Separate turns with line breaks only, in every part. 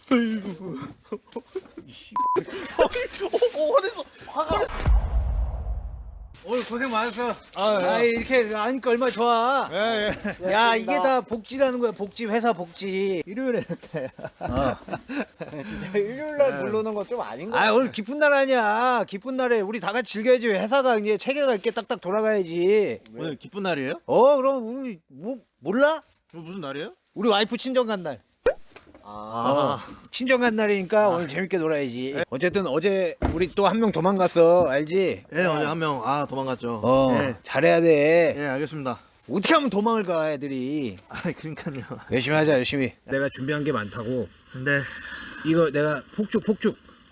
아이고. 화냈어.
오늘 고생 많았어.
아,
이렇게 하니까 얼마나 좋아.
예.
야, 이게 다 복지라는 거야. 복지, 회사 복지.
일요일에 이렇게. 진짜 일요일날 부르는 거 좀 아닌 거.
오늘 기쁜 날 아니야. 기쁜 날에 우리 다 같이 즐겨야지. 회사가 이제 체계가 있게 딱딱 돌아가야지.
오늘 기쁜 날이에요?
그럼 우리 몰라?
무슨 날이에요?
우리 와이프 친정 간 날.
아.
친정 간 날이니까 오늘 재밌게 놀아야지. 어쨌든 어제 우리 또 한 명 도망갔어. 알지?
예, 어제 한 명 도망갔죠. 예.
잘해야 돼.
예, 알겠습니다.
어떻게 하면 도망을 가, 애들이.
그러니까요.
열심히 하자, 열심히. 내가 준비한 게 많다고.
근데
이거 내가 폭죽.
폭죽.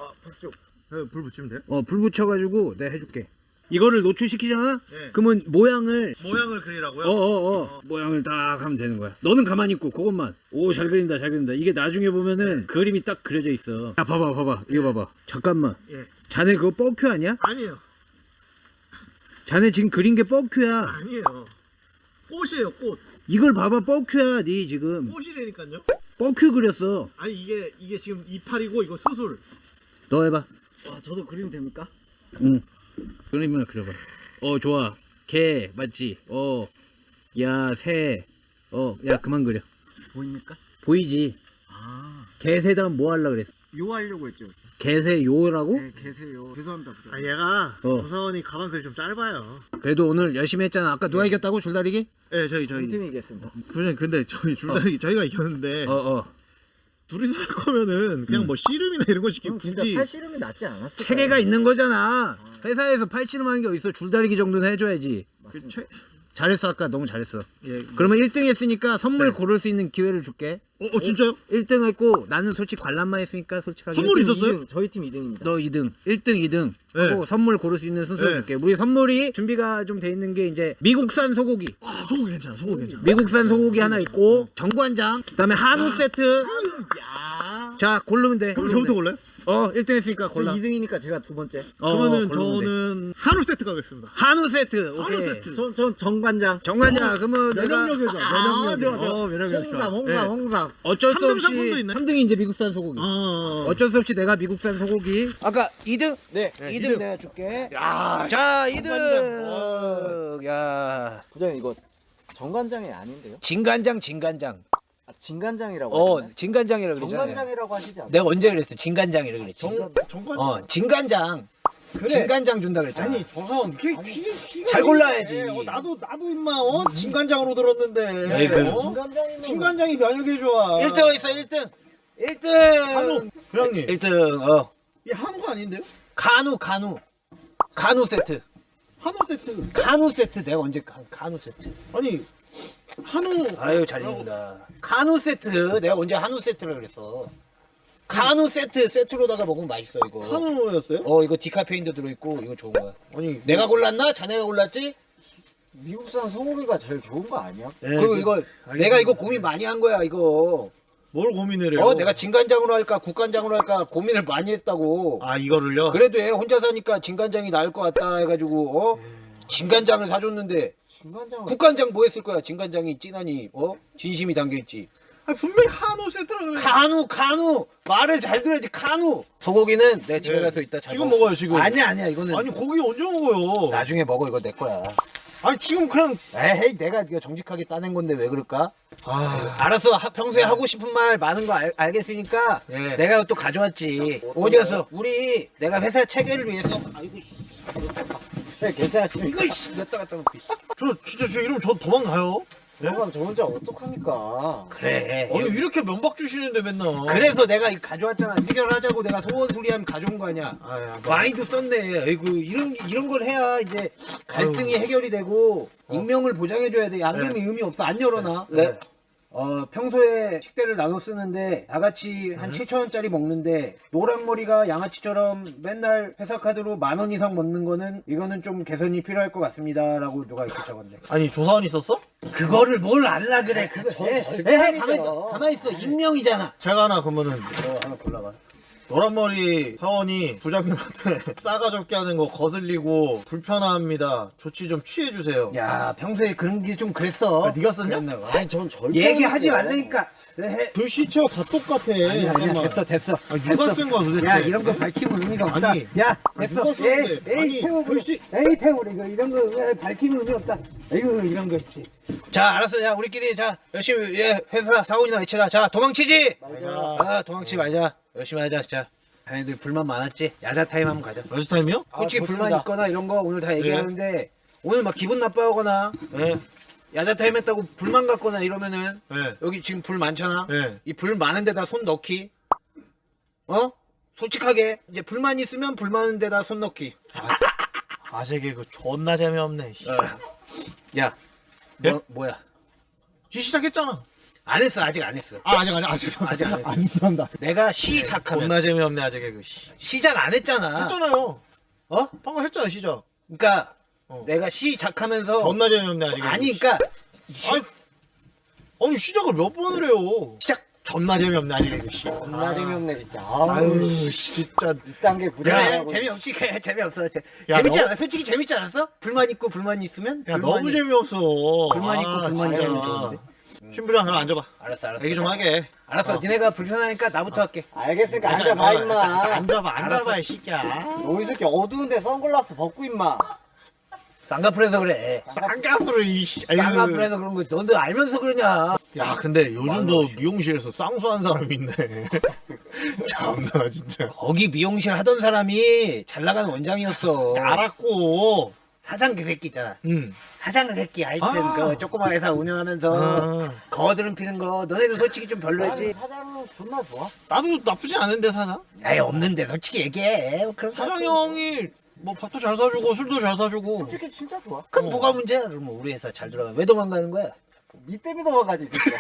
불 붙이면 돼요?
불 붙여가지고 내가 해줄게. 이거를 노출시키잖아?
네.
그러면 모양을
모양을 그리라고요?
모양을 딱 하면 되는 거야. 너는 가만히 있고 그것만. 오, 잘 그린다. 이게 나중에 보면은 그림이 딱 그려져 있어. 야, 봐봐. 이거 봐봐. 잠깐만.
예.
자네 그거 뻑큐 아니야?
아니에요.
자네 지금 그린 게 뻑큐야.
아니에요. 꽃이에요, 꽃.
이걸 봐봐, 뻑큐야. 니 지금
꽃이라니까요.
뻑큐 그렸어.
아니 이게 지금 이파리고 이거 수술.
너 해봐.
와, 저도 그리면 됩니까?
응. 그림이나 그려봐. 좋아. 개 맞지? 야, 새. 야, 그만 그려.
보입니까?
보이지? 개새다음 뭐 하려고 그랬어?
요 하려고 했죠.
개새 요라고?
네, 계세요. 죄송합니다.
아, 얘가
어.
조사원이 가방 글이 좀 짧아요.
그래도 오늘 열심히 했잖아. 아까 누가 이겼다고? 줄다리기?
예, 저희
우리 팀이 이겼습니다.
부장님, 근데 저희 줄다리기 저희가 이겼는데 둘이서 할 거면은 그냥 뭐 씨름이나 이런 거 시키고
그럼 진짜
굳이
팔씨름이 낫지 않았을까요?
체계가 있는 거잖아. 회사에서 팔씨름하는 게 어딨어. 줄다리기 정도는 해줘야지.
맞습니다.
잘했어. 아까 너무 잘했어.
예.
그러면 1등 했으니까 선물
네.
고를 수 있는 기회를 줄게.
진짜요?
1등 했고 나는 솔직히 관람만 했으니까 솔직하게
선물이
1등,
있었어요?
저희 팀 2등입니다.
너 2등, 1등, 2등 하고
네.
선물 고를 수 있는 순서를
네.
줄게. 우리 선물이 준비가 좀 돼 있는 게 이제 미국산 소고기.
소고기 괜찮아. 소고기 괜찮아.
미국산 소고기 하나 있고 정관장, 그다음에 한우 세트. 자, 고르면 돼.
그럼 저부터 골라요?
1등 했으니까
저
골라.
2등이니까 제가 두 번째.
그러면은
고르면 돼.
저는 한우 세트 가겠습니다.
한우 세트. 오케이.
세트.
전 정관장.
정관장 그러면 내가
면역력이죠. 면역력. 홍삼.
어쩔 수 없이
3등 이네.
3등이 이제 미국산 소고기. 어쩔 수 없이 내가 미국산 소고기. 아까 2등?
네.
2등 내가 줄게.
야,
자,
정관장.
2등. 야.
부장님 이거 정관장이 아닌데요?
진간장.
진간장이라고 하시나요?
진간장이라 그러잖아.
정관장이라고 하시지 않나요?
내가 언제 그랬어? 진간장이라 그랬지.
정관.
진간장. 진간장 준다 그랬잖아.
아니 조사원
잘 골라야지.
나도 임마 진간장으로 들었는데.
아이고.
진간장이면
진간장이 면역에 좋아.
1등 있어, 1등. 1등.
한우. 부장님.
1등.
이 한우가 아닌데요?
간우 세트.
한우 세트.
간우 세트 내가 언제 간우 세트.
아니 한우.
아유, 잘 읽는다. 간우 세트. 내가 언제 한우 세트라 그랬어. 간우 세트로다가 먹으면 맛있어 이거.
한우였어요?
이거 디카페인도 들어있고 이거 좋은 거야.
아니
내가 골랐나? 자네가 골랐지?
미국산 소고기가 제일 좋은 거 아니야?
그리고 이거 내가 이거 고민 많이 한 거야 이거.
뭘 고민을 해요?
내가 진간장으로 할까 국간장으로 할까 고민을 많이 했다고.
이거를요?
그래도 얘 혼자 사니까 진간장이 나을 것 같다 해가지고 진간장을 사줬는데
진간장은
국간장 뭐 했을 거야? 진간장이 진하니 진심이 담겨있지.
분명히 한우 세트라고 그래.
간우 말을 잘 들어야지. 간우 소고기는 내 집에
네.
가서 이따 잘
지금
먹어.
먹어요 지금.
아니야 이거는
아니 고기 언제 먹어요?
나중에 먹어. 이거 내 거야.
아니 지금 그냥
에이, 내가 이거 정직하게 따낸 건데 왜 그럴까? 알았어. 평소에 하고 싶은 말 많은 거 알겠으니까
예.
내가 또 가져왔지. 어디 갔어? 우리 내가 회사 체계를 위해서. 아이고
괜찮아요.
이거 였다 갔다 놓고.
저 이러면 저 도망가요.
그럼 저 혼자 어떡합니까?
그래.
아니 이렇게 면박 주시는데 맨날.
그래서 내가 이거 가져왔잖아. 해결하자고 내가 소원소리하면 가져온 거 아니야. 와인도 썼네. 아이고 이런 걸 해야 이제 갈등이 해결이 되고 익명을 보장해줘야 돼. 안 그러면 의미 없어. 안 열어놔.
네.
평소에 식대를 나눠 쓰는데 다 같이 한 7,000원짜리 먹는데 노랑머리가 양아치처럼 맨날 회사 카드로 10,000원 이상 먹는 거는 이거는 좀 개선이 필요할 것 같습니다. 라고 누가 이렇게 적었네.
아니 조사원 있었어?
그거를 뭘 알라 그래. 그거
저
가만히 있어. 익명이잖아.
제가 하나 그러면은
하나 골라봐.
노란머리 사원이 부장님한테 싸가지 없게 하는 거 거슬리고 불편합니다. 조치 좀 취해주세요.
야 평소에 그런 게 좀 그랬어.
아, 네가 썼냐?
그랬나 봐.
아니 전 절대
얘기하지
안
말라니까. 해.
글씨체가 다 똑같아.
아니야 됐어.
아, 누가 쓴 거야 도대체?
야 이런 거 밝히면 의미가 없다.
아니,
야
누가
됐어.
썼는데?
에이
아니,
태우고
글씨-
에이 태우고 이거 이런 거 왜 밝히면 의미 없다. 아이고 이런 거. 자 알았어. 자 우리끼리 자 열심히 회사 사원이나 외치자. 자 도망치지. 아 도망치지 말자. 열심히 하자 진짜. 자네들 불만 많았지? 야자 타임 한번 가자.
러시 타임이요?
솔직히
좋습니다.
불만 있거나 이런 거 오늘 다 얘기하는데 오늘 막 기분 나빠하거나
네.
야자 타임 했다고 불만 갖거나 이러면은
네.
여기 지금 불 많잖아.
네.
이 불 많은 데다 손 넣기. 어? 솔직하게 이제 불만 있으면 불 많은 데다 손 넣기.
아재 개그 존나 재미없네.
야,
네?
뭐야?
시작했잖아.
안 했어. 아직 안 했어.
아 아직 아직 죄송합니다.
아직 안 했어.
안 죄송합니다.
내가 시작하면
존나 재미없네 아재 개그.
시작 안 했잖아.
했잖아요.
어?
방금 했잖아 시작.
그러니까
어.
내가 시작하면서
존나 재미없네 아재 개그.
아니 그러니까
아니 시작을 몇 번을 해요.
시작.
존나 재미없네 아재 개그.
존나 재미없네 진짜.
아유 진짜.
이딴 게
그래
부담하고.
재미없지. 그래, 재미없어.
야,
재밌지
너-
않아? 솔직히 재밌지 않았어? 불만 있고 불만 있으면
야
불만이-
너무 재미없어.
불만 있고 불만
진짜.
있으면 좋은데.
신부장 그럼 앉아봐.
알았어.
얘기 좀 하게.
알았어. 니네가 불편하니까 나부터 할게.
알겠으니까 앉아봐 임마.
앉아봐 이 새끼야.
너이 새끼 어두운데 선글라스 벗고 임마.
쌍꺼풀에서 그래.
쌍꺼풀을 이씨.
쌍꺼풀에서 그런 거 너도 알면서 그러냐?
야 근데 요즘도 미용실에서 쌍수한 사람이 있네. 참나 진짜.
거기 미용실 하던 사람이 잘 나가는 원장이었어.
알았고.
사장 그 새끼 있잖아.
응.
사장 그 새끼 하여튼
아.
그 조그만 회사 운영하면서
아,
거드름 피는 거 너네도 솔직히 좀
아니
별로였지.
사장은 존나 좋아.
나도 나쁘지 않은데 사장.
아예 없는데 솔직히 얘기해. 뭐 그런 거
사장
갖고.
형이 뭐 밥도 잘 사주고 술도 잘 사주고.
솔직히 진짜 좋아.
그럼 뭐가 문제야? 그럼 우리 회사 잘 들어가. 왜 도망가는 거야?
니 때문에 도망가지 진짜.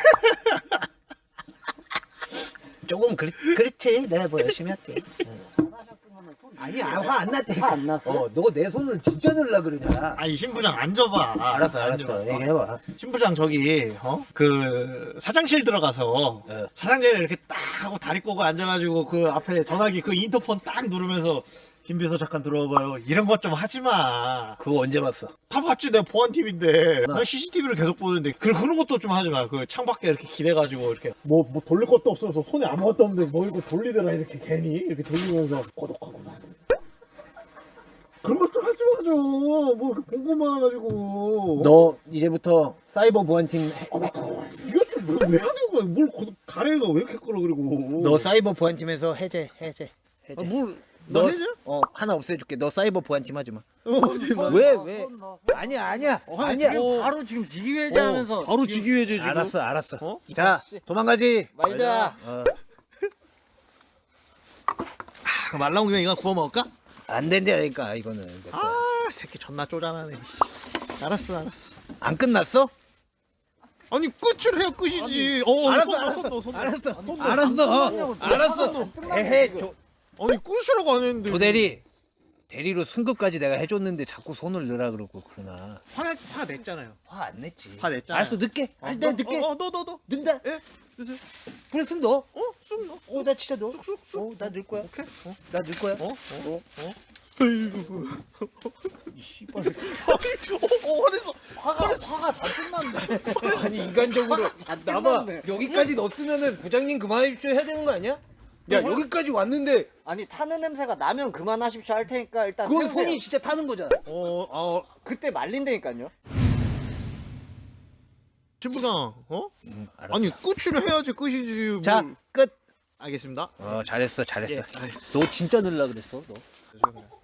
조금 그렇지. 내가 뭐 열심히 할게.
잘하셨으면 손.
아니야 화 안 났대.
화 안 났어?
너 내 손을 진짜 넣으려 그러냐?
아니 신부장 앉아봐.
알았어.
앉아봐.
얘기해봐.
신부장 저기 그 사장실 들어가서
어.
사장자리에 이렇게 딱 하고 다리 꼬고 앉아가지고 그 앞에 전화기 그 인터폰 딱 누르면서 김 비서 잠깐 들어와봐요. 이런 것 좀 하지 마.
그거 언제 봤어?
다 봤지 내 보안 TV인데
나-
나 CCTV를 계속 보는데 그런 것도 좀 하지 마. 그 창밖에 이렇게 기대가지고 이렇게 뭐 돌릴 것도 없어서 손에 아무것도 없는데 뭐 이거 돌리더라 이렇게 괜히 이렇게 돌리면서 고독하구만. 그런 것 좀 하지 마죠. 뭐 이렇게 보고만 해가지고.
너 이제부터 사이버 보안팀
이것도 왜 하는 거야? 뭘 가래가 왜 이렇게 끌어 그리고?
너 사이버 보안팀에서 해제.
아, 뭘?
너
너 해줘?
하나 없애줄게. 너 사이버 보안팀 하지 마.
손
왜,
넣어,
왜?
손 넣어.
아니야.
아니야,
아니야.
지금
바로 지금 직위해제하면서
바로 직위해제 지금.
알았어.
어?
자, 도망가지.
말자.
말 나온 김에 이거 구워 먹을까?
안 된다니까 이거는. 내 거.
아, 새끼 존나 쪼잔하네. 알았어.
안 끝났어?
아니 끝을 해야 끝이지.
알았어. 에헤,
아니 끝이라고 안 했는데.
대리로 승급까지 내가 해줬는데 자꾸 손을 넣으라 그러고 그러나.
화 냈잖아요.
화 안 냈지.
화 냈잖아.
알았어, 늦게. 내가 늦게.
너.
넣는다.
예? 그래서
그래, 손 넣어.
쑥 넣어.
나 진짜 넣어.
쑥.
나 넣을 거야.
오케이.
나 넣을 거야.
아이고.
이 씨발.
화냈어.
화가 다 끝났네.
아니 인간적으로 나봐
끝났네.
여기까지 넣었으면은 부장님 그만하십시오 해야 되는 거 아니야? 야 여기까지 왔는데
아니 타는 냄새가 나면 그만하십시오 할 테니까 일단
그건
태우세요.
손이 진짜 타는 거잖아.
그때 말린다니까요.
신부장,
알았어.
아니 끝을 해야지 끝이지.
자
뭘.
끝.
알겠습니다.
잘했어.
예.
너 진짜 넣으려 그랬어 너.
죄송해요.